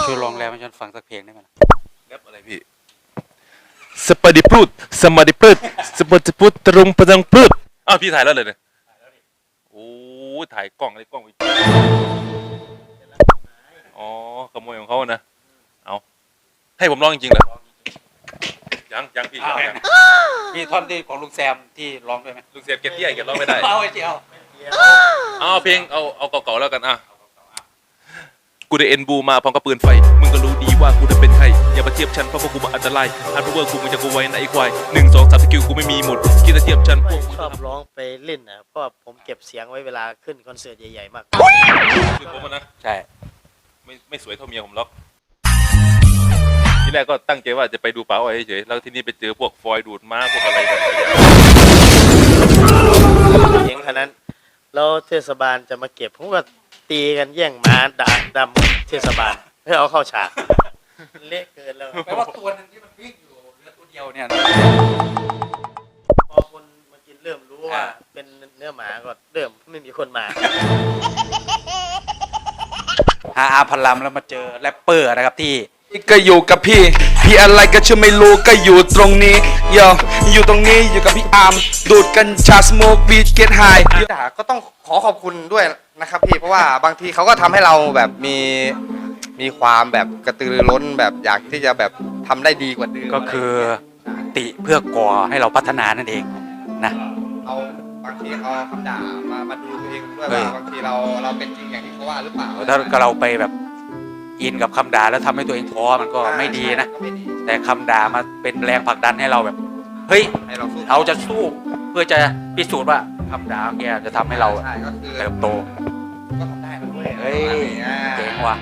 ช่วยลองแรปให้ฉันฟังสักเพลงได้ไหมล่ะแรปอะไรพี่สปาดิพรุดสมาดิพรุดสปาดิพรุดตรงประดังพรุดอ้าวพี่ถ่ายแล้วเลยเนี่ยโอ้ถ่ายกล้องอะไรกล้องอีกอ๋อขโมยของเขานะเอาให้ผมร้องจริงๆเหรอยังพี่ยังมีท่อนที่ของลุงแซมที่ร้องด้วยไหมลุงเสียบเก็บเตี้ยเก็บร้องไม่ได้เอาไอ้เจียวเอาเพลงเอาเก่าๆแล้วกันอ่ะกูได้เอ็นบูมาพร้อมกับปืนไฟมึงก็รู้ดีว่ากูจะเป็นใครอย่ามาเทียบฉันเพราะพวกกูมาอันตรายฮาร์ดเวิร์กกูมึงจะกูไว้ในไอ้ควาย1 2 3สกิลกูไม่มีหมดคิดจะเทียบฉันพวกชอบร้องไปเล่นนะเพราะว่าผมเก็บเสียงไว้เวลาขึ้นคอนเสิร์ตใหญ่ๆมากคือผมนะใช่ไม่สวยเท่าเมียผมหรอกทีแรกก็ตั้งใจว่าจะไปดูป๋าอ้อยเฉยๆแล้วทีนี้ไปเจอพวกฟอยดูดม้าพวกอะไรแบบนี้เสียงขนาดนั้นแล้วเทศบาลจะมาเก็บผมก็ตีกันแย่งม้าดำเทศบาลเพื่อเอาเข้าฉากเละเกินแล้วแปลว่าตัวนึงที่มันวิ่งอยู่เหลือตัวเดียวเนี่ยนะพอคนมากินเริ่มรู้ว่าเป็นเนื้อหมาก็เริ่มไม่มีคนมาหาอาพันลำแล้วมาเจอแรปเปอร์นะครับที่ก็อยู่กับพี่อะไรก็ชื่อไม่รู้ก็อยู่ตรงนี้อยู่ตรงนี้อยู่กับพี่อาร์มดูดกัญชาสโมกวีดเกตไฮก็ต้องขอขอบคุณด้วยนะครับพี่เพราะว่าบางทีเขาก็ทำให้เราแบบมีความแบบกระตือรือร้นแบบอยากที่จะแบบทำได้ดีกว่าเดิมก็คือติเพื่อก่อให้เราพัฒนานั่นเองนะเอาบางทีเอาคำด่ามาดูตัวเองด้วยเฮ้ยว่าบางทีเราเป็นจริงอย่างที่เขาว่าหรือเปล่าถ้าเราไปแบบอินกับคำด่าแล้วทำให้ตัวเองท้อมันก็ไม่ดีนะก็ไม่ดีแต่คำด่ามาเป็นแรงผลักดันให้เราแบบเฮ้ยให้เราสู้เราจะสู้เพื่อจะพิสูจน์ว่าคำด่าแกจะทำให้เราใช่ก็คือเติบโตก็ทำได้นะเว้ยเฮ้ยอ่าเจ๋งว่ะ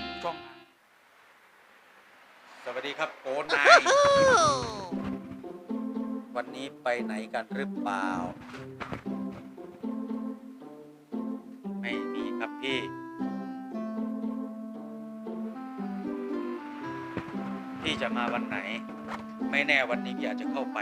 สวัสดีครับโกนายวันนี้ไปไหนกันหรือเปล่า ไม่มีครับพี่พี่จะมาวันไหน ไม่แน่วันนี้พี่อาจจะเข้าไป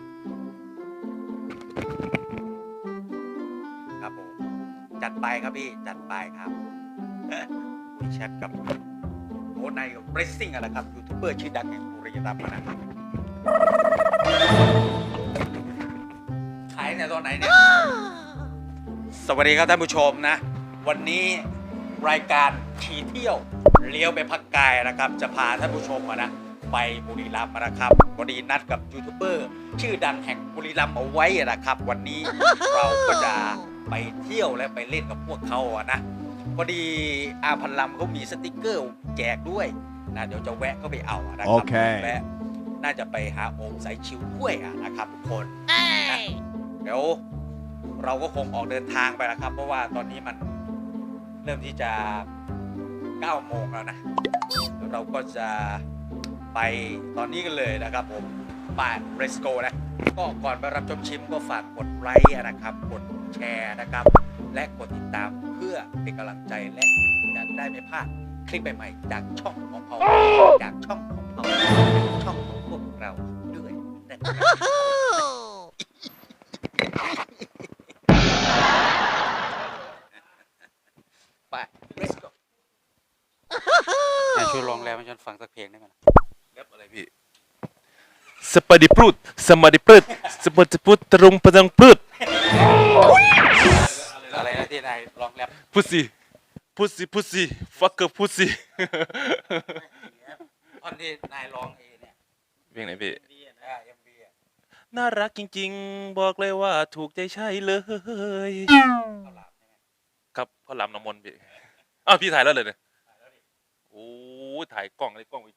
นะครับผมจัดไปครับพี่จัดไปครับ มีแชทกับโอ้นายกับเรซซิ่งอะไรครับยูทูบเบอร์ชื่อดังแห่งบุรีรัมย์นะครับขายเนี่ยตอนไหนเนี่ย สวัสดีครับท่านผู้ชมนะ วันนี้รายการขี่เที่ยวเลี้ยวไปพักกายนะครับ จะพาท่านผู้ชมนะไปบุรีรัมย์นะครับพอดีนัดกับยูทูบเบอร์ชื่อดังแห่งบุรีรัมย์เอาไว้นะครับ วันนี้เราก็จะไปเที่ยวและไปเล่นกับพวกเขานะพอดีอาพันลำเขามีสติกเกอร์แจกด้วยนะเดี๋ยวจะแวะเข้าไปเอานะครัโอเคและน่าจะไปหาโอมสายชิวด้วยนะครับทุกคนนะเดี๋ยวเราก็คงออกเดินทางไปนะครับ เพราะว่าตอนนี้มันเริ่มที่จะ9 โมงแล้วนะเดี๋ยวเราก็จะไปตอนนี้กันเลยนะครับผมไป Let's go นะก็ก่อนไปรับชมชิมก็ฝากกดไลค์นะครับกดแชร์นะครับและกดติดตามเพื่อเป็นกำลังใจและจะได้ไม่พลาดคลิปใหม่ๆจากช่องของเขาจากช่องของเขาจากช่องของพวกเราด้วยไป Let's go ช่วยลองแรปให้ฉันฟังสักเพลงได้ไหมล่ะแรปอะไรพี่สปาดิพรุดสมาดิพรุดสปาดิพรุดตรงประดังพรุดอะไรนะที่นายลองแรป pussy fucker pussy ตอนที่นายร้องเนี่ยเพลงไหนพี่ MV น่ารักจริงๆบอกเลยว่าถูกใจใช่เลยครับพ่อลำน้ำมนต์พี่อ้าวพี่ถ่ายแล้วเลยเนี่ยโอ้ถ่ายกล้องอะไรกล้องอีก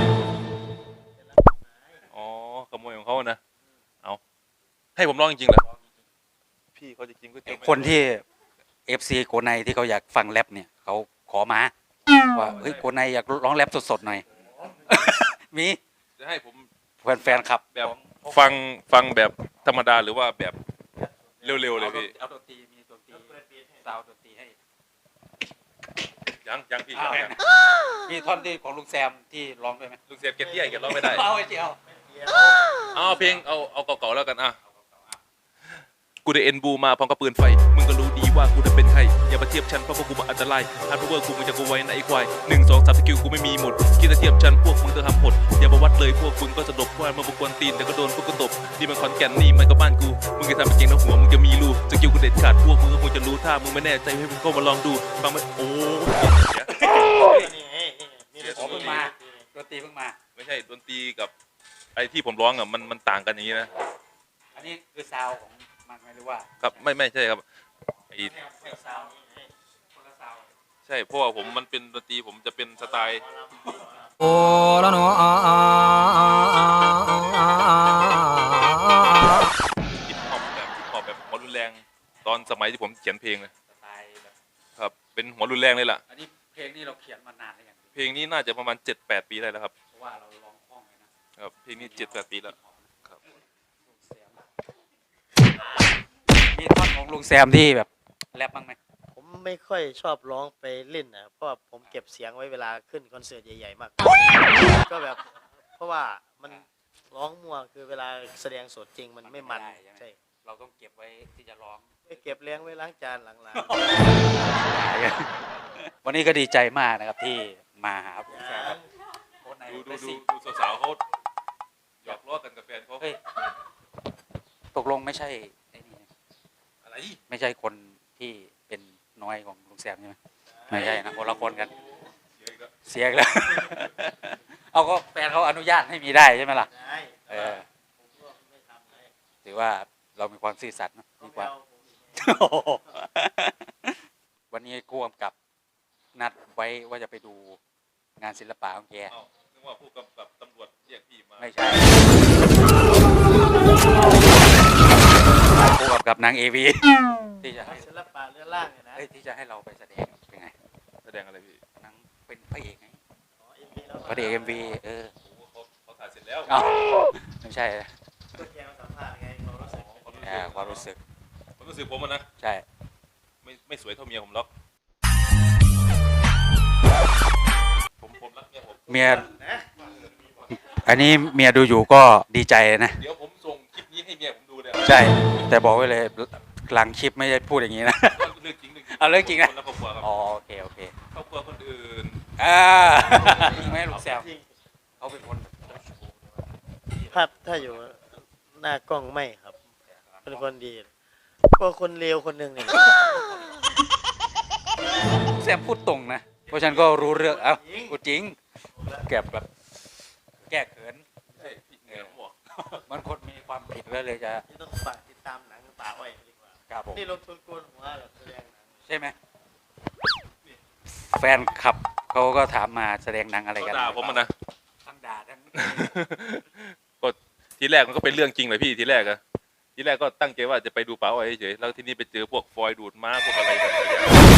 อ๋อขโมยของเขานะเอาให้ผมร้องจริงๆเหรอพี่เขาจะกินก๋วยเตี๋ยวคนที่ FC โกไนที่เขาอยากฟังแรปเนี่ยเขาขอมาว่าเฮ้ยโกไนอยากร้องแรปสดๆหน่อย มีจะให้ผมแฟนๆครับแบบฟังแบบธรรมดาหรือว่าแบบเร็วๆเลยพี่เอาดนตรีมีดนตรีซาวดนตรีให้ยังพี่ยังมีท่อนที่ของลุงแซมที่ร้องด้วยไหมลุงเสียบเก็บเตี้ยเก็บร้องไม่ได้เอาไอ้เจียวเอาเพลงเอาเก่าๆแล้วกันอ่ะกูได้เอ็นบูมาพร้อมกับปืนไฟมึงก็รู้ดีว่ากูจะเป็นใครอย่ามาเทียบฉันเพราะพวกกูมาอันตรายฮาร์ดเวิร์กกูมึงจะกูไว้นะไอ้ควาย1 2 3สกิลกูไม่มีหมดคิดจะเทียบฉันพวกมึงจะทำหดอย่ามาวัดเลยพวกมึงก็สะดบว่ามาบุกวนตีนแต่ก็โดนพวกกูตบนี่มันคอนแก่นนี่มันก็บ้านกูมึงจะทำเป็นเก่งนะหัวมึงจะมีรูสกิลกูเด็ดขาดพวกมึงก็คงจะรู้ถ้ามึงไม่แน่ใจให้มึงก็มาลองดูฟังมันโอ้ยนี่ไงนี่ไงอ๋อเพิ่งมาดนตรีเพิ่งมาไม่ใช่ดนตรีกับไอ้ที่ผมร้องอ่ะมันต่างกันอย่างนี้นะอันนี้คือซาวของมันไหมหรือว่าครับไม่ใช่ครับไอ้ซาวคนละซาวใช่เพราะว่าผมมันเป็นดนตรีผมจะเป็นสไตล์โอ้ละเนาะฮิปฮอปแบบหัวรุนแรงตอนสมัยที่ผมเขียนเพลงเลยสไตล์แบบครับเป็นหัวรุนแรงเลยล่ะอันนี้เพลงนี้เราเขียนมานานแล้วยังเพลงนี้น่าจะประมาณ 7-8 ปีได้แล้วครับเพราะว่าเราร้องคล่องเลยนะครับเพลงนี้ 7-8 ปีแล้วครับมีท่อนของลุงแซมที่แบบแรปบ้างไหมผมไม่ค่อยชอบร้องไปเล่นนะเพราะว่าผมเก็บเสียงไว้เวลาขึ้นคอนเสิร์ตใหญ่ๆมากก็แบบเพราะว่ามันร้องมั่วคือเวลาแสดงสดจริงมันไม่มันใช่เราต้องเก็บไว้ที่จะร้องไปเก็บเลี้ยงไว้ล้างจานหลังวันนี้ก็ดีใจมากนะครับที่มาหาลุงแซมครับโค้ชในดูได้สิสาวๆเขาหยอกล้อกันกับแฟนเขาเฮ้ยตกลงไม่ใช่ไอ้นี่อะไรไม่ใช่คนที่เป็นน้อยของลุงแซมใช่ไหมไม่ใช่นะคนละคนกัน เสียอีกแล้ว เอาก็แฟนเขาอนุญาตให้มีได้ใช่ไหมล่ะๆได้เออผมก็ไม่ทำเลยถือว่าเรามีความซื่อสัตย์นะเขาดีกไม่ว่าเอาผมอีกวันนี้ผู้กำกับนัดไว้ว่าจะไปดูงานศิลปะของแกเอ้านึกว่าผู้กำกับตำรวจเรียกพี่มาไม่ใช่ผู้กำกับนางเอวีที่จะให้ศิลปะเรือนร่างเนี่ยนะเอ้ยที่จะให้เราไปแสดงเป็นไงแสดงอะไรพี่นางเป็นพระเอกไงอ๋อ MV แล้วพระเอกเอ็มวีเออโอ้โหเขาถ่ายเสร็จแล้วเอ้าไม่ใช่นะก็แกมาสัมภาษณ์ไงความรู้สึกความรู้สึกผมรู้สึกผมอะนะใช่ไม่สวยเท่าเมียผมหรอกผมรักเมียผมเมียอันนี้เมียดูอยู่ก็ดีใจนะเดี๋ยวผมส่งคลิปนี้ให้เมียผมดูเลยใช่ แต่บอกไว้เลยหลังคลิปไม่ได้พูดอย่างนี้นะเรื่องจริงเรื่องจริงเอาเรื่องจริงนะคนละครอบครัวครับอ๋อโอเคโอเคครอบครัวคนอื่นจริงไหมลูกแซวจริงเขาเป็นคนถ้าอยู่หน้ากล้องไม่ครับ เป็นคนดีก็คนเลวคนหนึ่งเนี่ยแซมพูดตรงนะ เพราะฉันก็รู้เรื่องเอ้าพูดจริงแกแบบแก้เขินใช่พี่เมียผมบอกมันคนมีความผิดแล้วเลยจะที่ต้องฝากติดตามหนังป่าอ้อยดีกว่าครับผมนี่ลงทุนโกนหัวแบบแสดงหนังใช่ไหมแฟนคลับเขาก็ถามมาแสดงหนังอะไรเขากันด่าผมอะนะทั้งด่าทั้งก็ทีแรกมันก็เป็นเรื่องจริงเลยพี่ทีแรกอะทีแรกก็ตั้งใจว่าจะไปดูป๋าอ้อยเฉยๆแล้วที่นี่ไปเจอพวกฟอยล์ดูดม้าพวกอะไรแบบนี้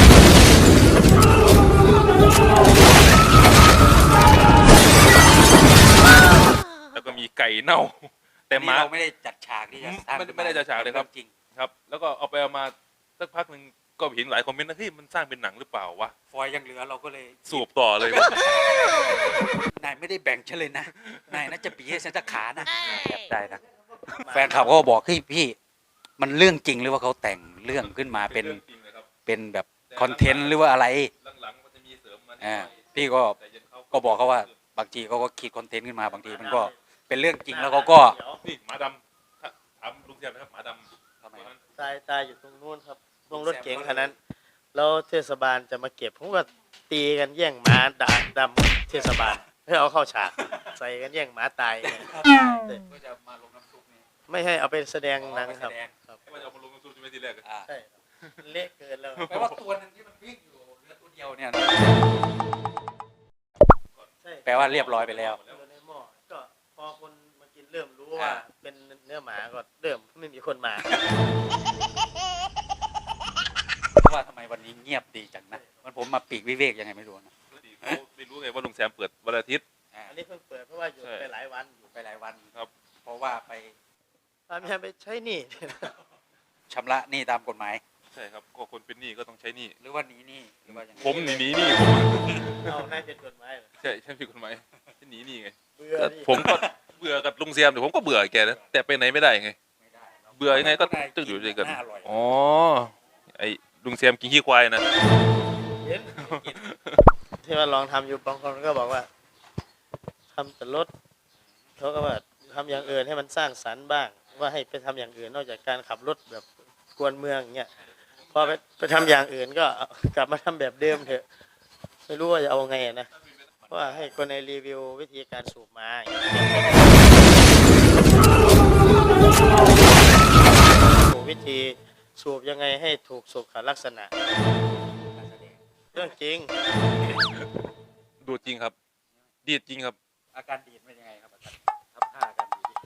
แล้วก็มีไก่เน่า แต่ม้าเราไม่ได้จัดฉากที่จะสร้างไม่ได้จัดฉากเลยครับจริงครับ แล้วก็เอาไปเอามาสักพักหนึ่งก็เห็นหลายคอมเมนต์นะที่มันสร้างเป็นหนังหรือเปล่าวะฟอยยังเหลือเราก็เลยสูบต่อเลยนายไม่ได้แบ่งฉันเลยนะ นายน่าจะปีให้ฉันสักขานะแบบได้นะ แฟนคลับก็บอกเฮ้ยพี่ มันเรื่องจริงหรือว่าเขาแต่งเรื่องขึ้นมาเป็นรื่องจริงเลยครับเป็นแบบคอนเทนต์หรือว่าอะไรหลังๆมันจะมีเสริมมานิดหอ่าน่อยพี่ก็แต่เย็นเขาก็บอกเขาว่าบางทีเขาก็คิดคอนเทนต์ขึ้นมาบางทีมันก็เป็นเรื่องจริงแล้วเขาก็นี่หมาดำถ้าถามลุงแซมนะครับหมาดำทำไมตัวนั้นตายอยู่ตรงนู้นครับตรงรถเก๋งคันนั้น แล้วเทศบาลจะมาเก็บผมก็ตีกันแย่งหมาดำเทศบาลเพื่อเอาเข้าฉากใส่กันแย่งหมาตายเนี่ยก็จะมาลงน้ำซุปนี่ไม่ให้เอาไปแสดงหนังครับเอาไปแสดงครับให้มันเอามาลงทุนใช่ไหมทีแรกอะอ่าใช่ครับเละเกินแล้วแปลว่าตัวหนึงที่มันวิ่งอยู่เหลือตัวเดียวเนี่ยนะใช่แปลว่าเรียบร้อยไปแล้วอยู่ในหม้อก็พอคนมากินเริ่มรู้ว่าเป็นเนื้อหมาก็เริ่มไม่มีคนมาเพราะว่าทำไมวันนี้เงียบดีจังนะมันผมมาปีกวิเวกยังไงไม่รู้นะเขาไม่รู้ไงว่าลุงแซมเปิดวันอาทิตย์อันนี้เพิ่งเปิดเพราะว่าอยู่ใช่ไปหลายวันอยู่ไปหลายวันครับเพราะว่าไปตามยังไปใช้หนี่ชำระหนี้ตามกฎหมายใช่ครับก็คนเป็นหนี้ก็ต้องใช้หนี้หรือว่าหนีหนี้หรือว่ายังไงผมหนีหนี้ผมเอานายเป็นกฎหมายเหรอใช่ผิดกฎหมายหนีหนี้ไงเบื่อก็นี่ผมก็เบื่อกับลุงแซมแต่ผมก็เบื่อแกนะแต่ไปไหนไม่ได้ไงไม่ได้เบื่อยังไงก็ต้องอยู่ด้วยกันน่าอร่อยอ๋อไอ้ลุงแซมกินขี้ควายนะเห็นที่ว่าลองทำอยู่บางคนก็บอกว่าทำแต่รถเขาก็ว่าทำอย่างอื่นให้มันสร้างสรรค์บ้าง ว่าให้ไปทำอย่างอื่นนอกจากการขับรถแบบกวนเมืองอย่างเงี้ยพอไปทำอย่างอื่นก็กลับมาทำแบบเดิมเถอะ ไม่รู้ว่าจะเอาไงอะนะเพราะว่าให้คนในรีวิววิธีการสูบมาอย่างเงี้ยวิธีสูบยังไงให้ถูกสุขลักษณะเรื่องจริงดูดจริงครับ ดีดจริงครับอาการดีดเป็นยังไงครับอาจารย์ทำท่าอาการดีด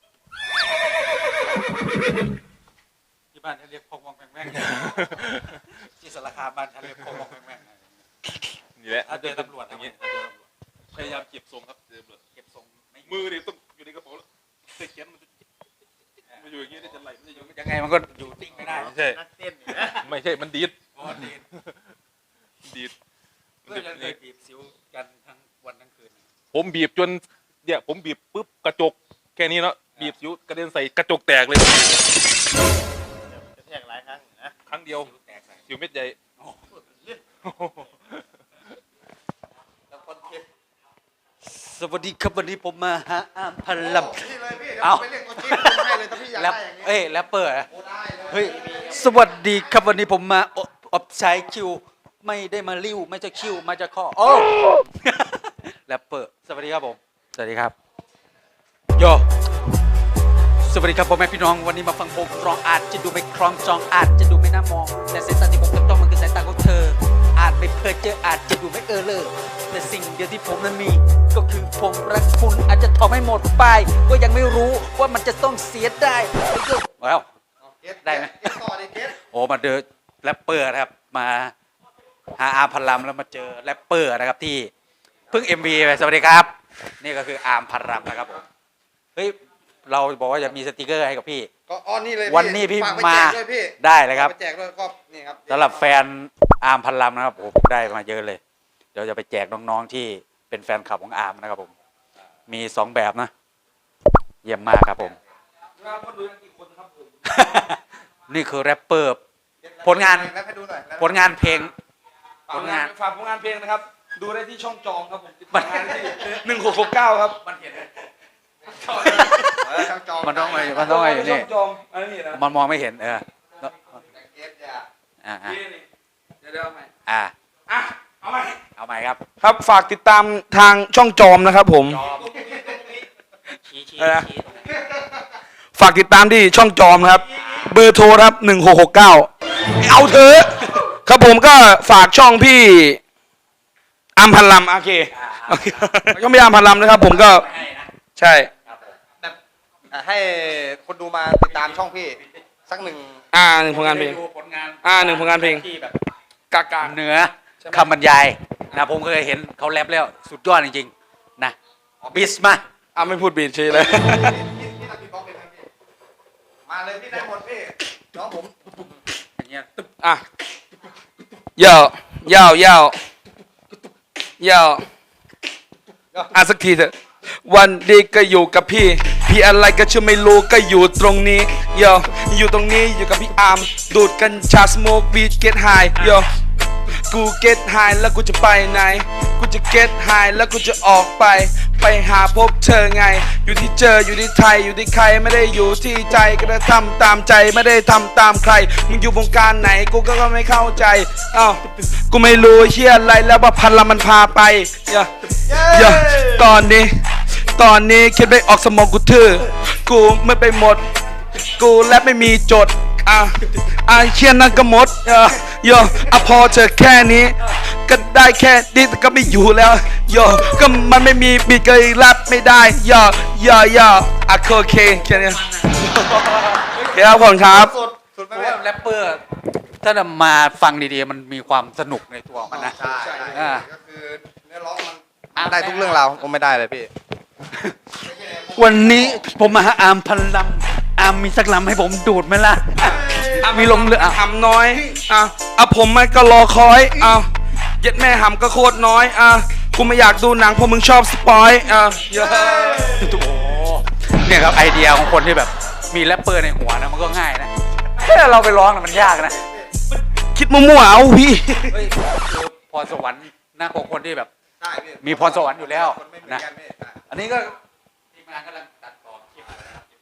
ที่บ้านฉันเรียกพงมองแม่งแม่งที่สารคามบ้านฉันเรียกพงมองแม่งแม่งนี่แหละถ้าเจอตำรวจอย่างเงี้ยพยายามเก็บทรงครับเจอตำรวจเก็บทรงไม่มือนี่ต้องอยู่ในกระเป๋าแล้วเตะเขียนมันจะมาอยู่อย่างนี้ได้จะไหลมันจะอยู่ยังไงมันก็อยู่ติ้งไม่ได้ไม่ใช่นักเต้นเนี่ยนะไม่ใช่มันดีดเพราะดีดดีดเพื่อนยังเคยบีบสิวกันทั้งวันทั้งคืนผมบีบจนเนี่ยผมบีบปุ๊บกระจกแค่นี้เนาะบีบสิวกระเด็นใส่กระจกแตกเลยกระแทกหลายครั้งนะครั้งเดียวสิวแตกใส่สิวเม็ดใหญ่แล้วคนเก็บสวัสดีครับวันนี้ผมมาหาอามพันลำพี่เลยพี่เดี๋ยวเอาไปเรียกตัวจริงให้เลยถ้าพี่อยากแรปได้อย่างนี้เอ้ยแรปเปอร์อะโอ้ได้เลยเฮ้ยสวัสดีครับวันนี้ผมมาอบใช้คิว ไม่ได้มาลิ้วไม่จะคิวมาจะข้อโอ้ แรปเปอร์สวัสดีครับผมสวัสดีครับโยสวัสดีครับพ่อแม่พี่น้องวันนี้มาฟังผมร้องอาจจะดูไม่คล้องจองอาจจะดูไม่น่ามองแต่สายตาที่ผมต้องมันคือสายตาของเธอ อาจไม่เพ้อเจออาจจะดูไม่เลยแต่สิ่งเดียวที่ผมนั้นมี ก็คือผมรักคุณอาจจะทอไม่หมดไปก็ยังไม่รู้ว่ามันจะต้องเสียได้แล้วเก็ตได้ไหมเก็ตต่อดิเก็ตโอ้มาเจอแรปเปอร์นะครับมาหาอาร์มพันลำแล้วมาเจอแรปเปอร์นะครับที่เพิ่ง MV ไปสวัสดีครับ นี่ก็คืออาร์มพันลำนะครับผมเฮ้ยเราบอกว่าจะมีสติกเกอร์ให้กับพี่ก็อ้อนนี่เลยวันนี้พี่ฝกไปมาแจกด้วยพี่ได้เลยครับฝากไปแจกด้วยก็นี่ครับสำหรับแฟนอาร์มพันลำนะครับผมได้มาเยอะเลย เดี๋ยวจะไปแจกน้องๆที่เป็นแฟนคลับของอาร์มนะครับผมมี2แบบนะ เยี่ยมมากครับผม นี่คือแรปเปอร์ผลงานแรปให้ดูหน่อยผลงานเพลงผลงานฝากผลงานเพลงนะครับ ดูได้ที่ช่องจองครับผมติดต่องานที่1669ครับมันเห็นช่างจองมันต้องอะไรอยู่ช่นี่องจองอันนี้นะมันมองไม่เห็นเก็ตอย่าอ่านี่เดี๋ยวเอาใหม่อ่าอ่ะเอาใหม่เอาใหม่ครับครับฝากติดตามทางช่องจอมนะครับผมชี้อะไรนะ ฝากติดตามที่ช่องจอมครับ เบอร์โทรครับ1669เอาเถอะครับผมก็ฝากช่องพี่อัมพันลำโอเคโอเคช่องพี่อัมพันลำนะครับ ผมก็ใช่แบบให้คนดูมาติดตามช่องพี่สักหนึ่งหนึ่งผลงานเพลงดูผลงานหนึ่งผลงานเพลงที่แบบกากาเหนือคำบรรยายนะผมเคยเห็นเขาแรปแล้วสุดยอดจริงๆนะบิสมาไม่พูดบีดเฉยเลยพี่ทำพี่บล็อกเลยนะพี่มาเลยพี่ได้หมดพี่น้องผมอย่างเงี้ยอ่ะยาวยาวยาวยาวสักทีเถอะวันดีก็อยู่กับพี่ พี่อะไรก็ชื่อไม่รู้ก็อยู่ตรงนี้ยาวอยู่ตรงนี้อยู่กับพี่อาร์มดูดกัญชาสโมกวีดเก็ตไฮยาวกูเก็ตไฮแล้วกูจะไปไหนกูจะเก็ตไฮแล้วกูจะออกไปหาพบเธอไง อยู่ที่เจออยู่ที่ไทยอยู่ที่ใครไม่ได้อยู่ที่ใจก็ได้ทำตามใจไม่ได้ทำตามใครมึงอยู่วงการไหนกูก็ไม่เข้าใจอ้าวกูไม่รู้เฮียอะไรแล้วว่าพันละมันพาไปอย่าตอนนี้คิดไม่ออกสมองกูทื่อกูไม่ไปหมดกูและไม่มีจดเชียนนั่นก็หมดพอเธอแค่นี้ก็ได้แค่นี้แต่ก็ไม่อยู่แล้วก็มันไม่มีบีก็รับไม่ได้โอเคแค่นี้ครับผมครับสุดเพไม่ราะแม่ว่าแรปเปอร์ถ้ามาฟังดีๆมันมีความสนุกในตัวมันนะใช่อ่าก็คือเนื้อร้องมันได้ทุกเรื่องราวผมไม่ได้เลยพี่วันนี้ผมมาหาอาร์มพันลำอาร์มมีสักลำให้ผมดูดไหมล่ะมีลงเรือหำน้อยผมมันก็รอคอยเย็ดแม่หำก็โคตรน้อยกูไม่อยากดูหนังเพราะมึงชอบสปอยโอ้เนี่ยครับไอเดียของคนที่แบบมีแรปเปอร์ในหัวนะมันก็ง่ายนะแค่เราไปร้องนะมันยากนะคิคิดมั่วๆเอาพี่เฮ้ยคือพรสวรรค์นะของคนที่แบบใช่พี่มีพรสวรรค์อยู่แล้วคนไม่เหมือนะนกันพี่อันนี้ก็ทีมงานกำลังตัดต่อคลิปอะไรนะครับ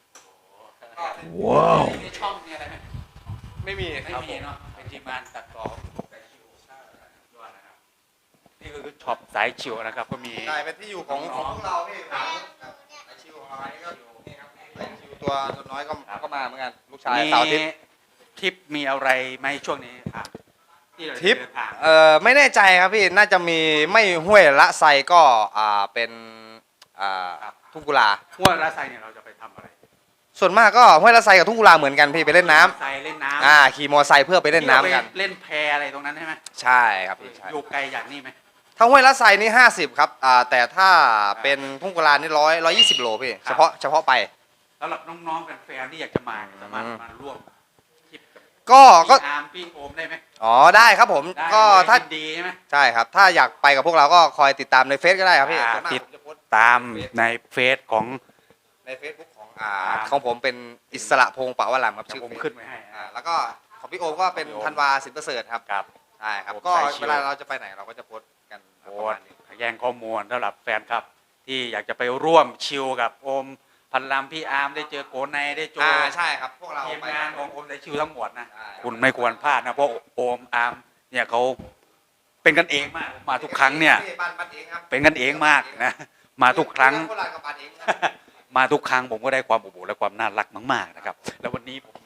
ว้าวมีช่องมีอะไรไหมไม่มีไม่มีเนาะเป็นทีมงานตัดต่อสายชิวยอดนะครับนี่คือช็อปสายชิวนะครับก็มีใช่เป็นที่อยู่ของพวกเราพี่ครับไอชิวของเรานี่ก็นี่ครับไอชิวตัวน้อยก็มาเหมือนกันลูกชายมีเสาร์อาทิตย์ทริปมีอะไรไหมช่วงนี้ครับที่เราจะทริปเดินทางไม่แน่ใจครับพี่น่าจะมีไม่ห้วยละไซก็เป็นทุ่งกุลาหัวราไซเนี่ยเราจะไปทำอะไรส่วนมากก็ห้วยละไซกับทุ่งกุลาเหมือนกันพี่ไปเล่นน้ำไซเล่นน้ำขี่มอไซค์เพื่อไปเล่นน้ำกันที่ราไปเล่นแพอะไรตรงนั้นใช่ไหมใช่ครับพี่ใช่อยู่ไกลจากนี่ไหมถ้าห้วยละไซนี่50ครับแต่ถ้าเป็นทุ่งกุลานี่120 โลพี่ครับเฉพาะไปสำหรับน้องๆแฟนๆที่อยากจะมาสามารถมาร่วมทริปกับก็พี่อาร์มพี่โอมได้ไหมได้ครับผมได้ก็เลยถ้ายินดีใช่ไหมใช่ครับ ถ้าอยากไปกับพวกเราก็คอยติดตามในเฟซก็ได้ครับพี่อ่าส่วนมากติดผมจะโพสต์ตามในเฟซของในเฟซบุ๊กของผมเป็นอิสระพงษ์ปะวรามครับเดี๋ยชื่วอผมเฟซขึ้นไว้ให้แล้วก็ของพี่โอมก็เป็นของพี่โอมธันวาสินประเสริฐครับครับใช่ครับโอมก็สายชิลเวลาเราจะไปไหนเราก็จะโพสต์กันโพประสมาณต์นี้แย่งข้อมูลสำหรับแฟนครับ ที่อยากจะไปร่วมชิลกับโอมพันลำพี่อาร์มได้เจอโกไนได้โจใช่ครับพวกเราทีมไปงานของโอมได้ชิลทั้งหมดนะใช่คุณไม่ควรพลาดนะเพราะโอมอาร์มเนี่ยเขาเป็นกันเองมากมาทุกครั้งเนี่ยบ้านเองครับเป็นกันเองมากนะมาทุกครั้งโคราชกับบ้านเองครับมาทุกครั้งผมก็ได้ความอบอุ่นและความน่ารักมากๆนะครับ แล้ววันนี้ผมมี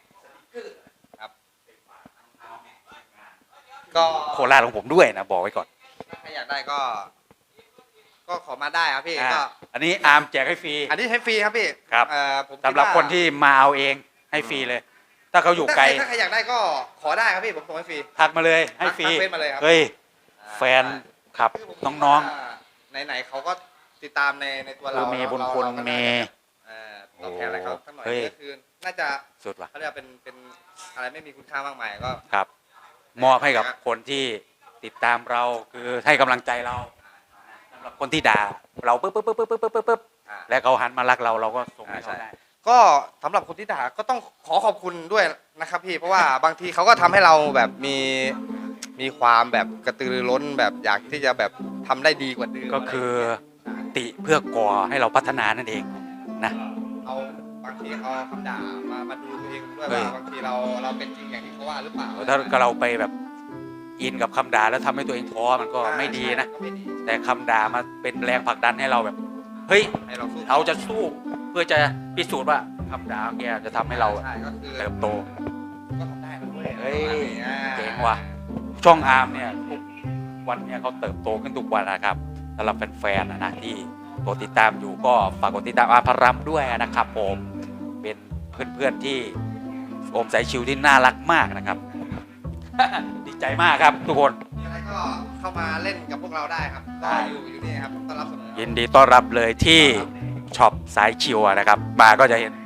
ก็โคราชของผมด้วยนะบอกไว้ก่อนถ้าอยากได้ก็ขอมาได้ครับพี่อ่าก็อันนี้อาร์มแจกให้ฟรีอันนี้ให้ฟรีครับพี่ครับผมดสำหรับว่าคนที่มาเอาเองให้ฟรีเลย ถ้าเขาอยู่ไกลถ้าใครอยากได้ก็ขอได้ครับพี่ผมส่งให้ฟรีทักมาเลยให้ฟรีทักเฟซมาเลยครับเฮ้ยแฟนครับคือผมน้องไหนๆเขาก็ติดตามในตัวเราคือมีบุญคุณเราก็มีตอบแทนอะไรเขาสักหน่อยเฮ้ยก็คือน่าจะสุดว่ะเขาเรียกว่าเป็นอะไรไม่มีคุณค่ามากมายก็ครับ มอบให้กับคนที่ติดตามเราคือให้กำลังใจเราสำหรับคนที่ด่าเราปึ๊บอ่าและเขาหันมารักเราเราก็ส่งให้เขาได้ก็สำหรับคนที่ด่าก็ต้องขอขอบคุณด้วยนะครับพี่เพราะว่าบางทีเขาก็ทำให้เราแบบมีความแบบกระตือรือร้นแบบอยากที่จะแบบทำได้ดีกว่าเดิมก็คือติเพื่อก่อให้เราพัฒนานั่นเองนะเอาบางทีเอาคำด่ามาดูตัวเองด้วยเฮ้ยว่าบางทีเราเป็นจริงอย่างที่เขาว่าหรือเปล่าถ้าเราไปแบบอินกับคำด่าแล้วทำให้ตัวเองท้อมันก็ไม่ดีนะก็ไม่ดีแต่คำด่ามาเป็นแรงผลักดันให้เราแบบ เฮ้ยให้เราสู้เราจะสู้เพื่อจะพิสูจน์ว่าคำด่าของแกจะทำให้เราใช่ก็คือเติบโตก็ทำได้แล้วเว้ยเฮ้ยอ่าเจ๋งว่ะช่องอาร์มเนี่ยทุกวันเนี่ยเขาเติบโตขึ้นทุกวันนะครับสำหรับแฟนๆนะที่ตัวติดตามอยู่ก็ฝากกดติดตามอาร์มพรัมด้วยนะครับผมเป็นเพื่อนๆที่โอมสายชิวที่น่ารักมากนะครับ ดีใจมากครับทุกคนมีอะไรก็เข้ามาเล่นกับพวกเราได้ครับได้อยู่นี่ครับต้อนรับเสมอยินดีต้อนรับเลยที่ช็อปสายชิวนะครับมาก็จะเห็น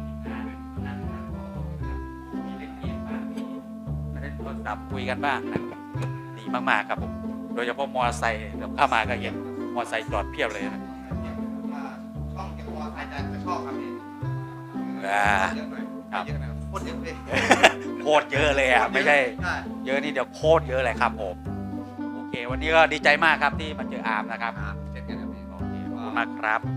เล่นโทรศัพท์คุยกันบ้างนะดีมากๆครับผมโดยเฉพาะมอเตอร์ไซค์เข้ามาก็เห็นมอเตอร์ไซค์จอดเพียบเลยนะช่องเกี่ยวกับใครจะชอบครับพี่อ่าเยอะหน่อยครับเยอะหน่อยโคตรเยอะเลยโคตรเยอะเลยอ่ะไม่ใช่ใช่เยอะนี่เดี๋ยวโคตรเยอะเลยครับผมโอเค วันนี้ก็ดีใจมากครับที่มาเจออาร์มนะครับเช่นกันครับพี่โอเคขอบคุณมากครับ